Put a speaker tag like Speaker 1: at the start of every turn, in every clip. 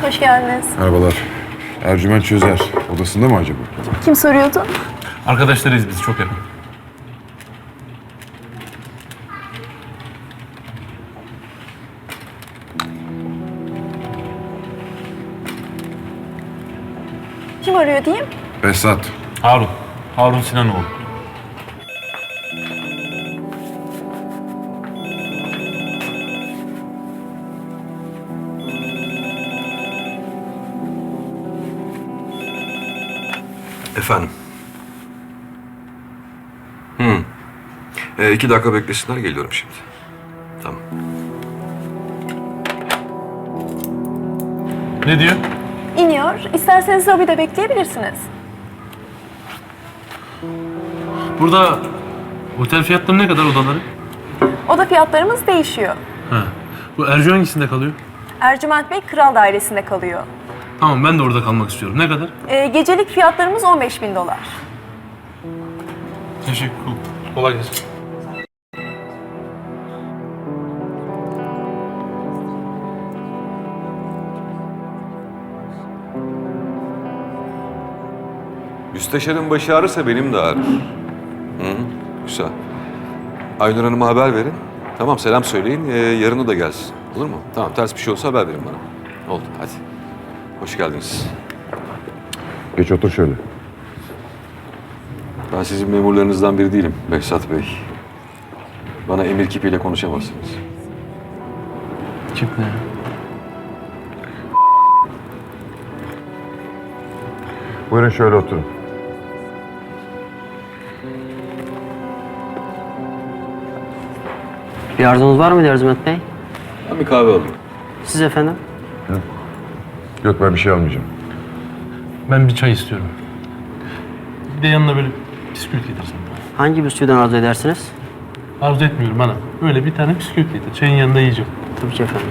Speaker 1: Hoş geldiniz.
Speaker 2: Merhabalar. Ercüment Çözer. Odasında mı acaba?
Speaker 1: Kim soruyordu?
Speaker 3: Arkadaşlarıyız biz, çok yakın.
Speaker 1: Kim arıyor diyeyim?
Speaker 2: Behzat.
Speaker 3: Harun. Harun Sinanoğlu.
Speaker 4: Efendim. 2 dakika beklesinler, geliyorum şimdi. Tamam.
Speaker 3: Ne diyor?
Speaker 1: İniyor. İsterseniz lobide bekleyebilirsiniz.
Speaker 3: Burada otel fiyatları ne kadar odaları?
Speaker 1: Oda fiyatlarımız değişiyor.
Speaker 3: Ha. Bu Ercü hangisinde kalıyor?
Speaker 1: Ercüment Bey Kral Dairesi'nde kalıyor.
Speaker 3: Tamam, ben de orada kalmak istiyorum. Ne kadar?
Speaker 1: Gecelik fiyatlarımız $15.000.
Speaker 3: Teşekkür. Kolay gelsin.
Speaker 4: Müsteşarın başı ağrırsa benim de ağrır. Güzel. Aynur Hanım'a haber verin. Tamam, selam söyleyin. Yarın o da gelsin. Olur mu? Tamam, ters bir şey olsa haber verin bana. Oldu, hadi. Hoş geldiniz.
Speaker 2: Geç otur şöyle.
Speaker 4: Ben sizin memurlarınızdan biri değilim Behzat Bey. Bana emir kipiyle konuşamazsınız.
Speaker 3: Kim ne?
Speaker 2: Buyurun şöyle oturun.
Speaker 5: Bir arzunuz var mıydı Ercüment Bey?
Speaker 4: Ben bir kahve alayım.
Speaker 5: Siz efendim?
Speaker 2: Yok, ben bir şey almayacağım.
Speaker 3: Ben bir çay istiyorum. Bir de yanına böyle bisküvit getirsin.
Speaker 5: Hangi bisküviden arzu edersiniz?
Speaker 3: Arzu etmiyorum bana. Öyle bir tane bisküvit getir. Çayın yanında yiyeceğim.
Speaker 5: Tabii ki efendim.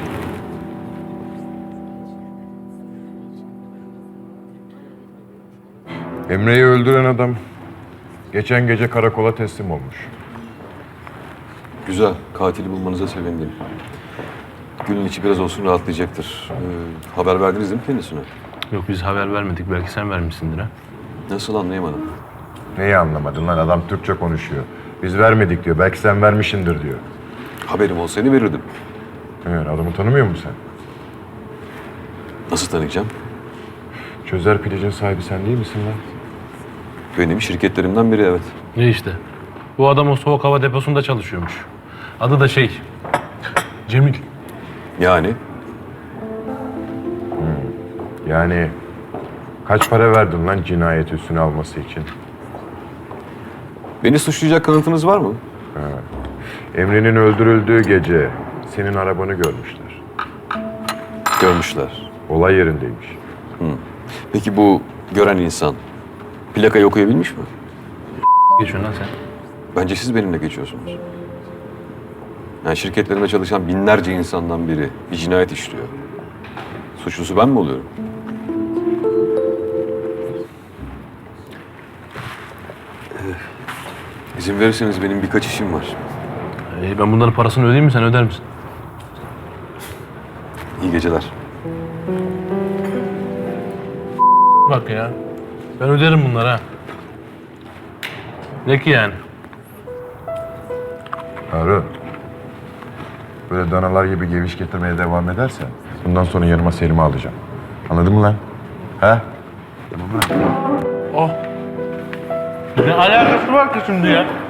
Speaker 2: Emre'yi öldüren adam geçen gece karakola teslim olmuş.
Speaker 4: Güzel, katili bulmanıza sevindim. Günün içi biraz olsun rahatlayacaktır. Haber verdiniz değil mi kendisine?
Speaker 3: Yok, biz haber vermedik. Belki sen vermişsindir ha.
Speaker 4: Nasıl, anlayamadım.
Speaker 2: Neyi anlamadın lan? Adam Türkçe konuşuyor. Biz vermedik diyor. Belki sen vermişsindir diyor.
Speaker 4: Haberim olsaydı verirdim.
Speaker 2: Evet, adamı tanımıyor musun sen?
Speaker 4: Nasıl tanıyacağım?
Speaker 2: Çözer Pideci'nin sahibi sen değil misin lan?
Speaker 4: Benim şirketlerimden biri, evet.
Speaker 3: Ne işte? Bu adam o soğuk hava deposunda çalışıyormuş. Adı da Cemil.
Speaker 4: Yani
Speaker 2: Yani kaç para verdin lan cinayet üstüne alması için?
Speaker 4: beni suçlayacak kanıtınız var mı?
Speaker 2: Emre'nin öldürüldüğü gece senin arabanı görmüşler.
Speaker 4: Görmüşler.
Speaker 2: Olay yerindeymiş.
Speaker 4: Peki bu gören insan plakayı okuyabilmiş mi?
Speaker 3: Geçiyorsun lan sen.
Speaker 4: Bence siz benimle geçiyorsunuz. Yani şirketlerime çalışan binlerce insandan biri bir cinayet işliyor. Suçlusu ben mi oluyorum? İzin verirseniz benim birkaç işim var.
Speaker 3: Ben bunların parasını ödeyeyim mi, sen öder misin?
Speaker 4: İyi geceler.
Speaker 3: Bak ya. Ben öderim bunları ha. Ne ki yani?
Speaker 2: Harun. Böyle danalar gibi geviş getirmeye devam edersen bundan sonra yanıma Selim'i alacağım. Anladın mı lan? He?
Speaker 3: Oh. Ne alakası var ki şimdi ya?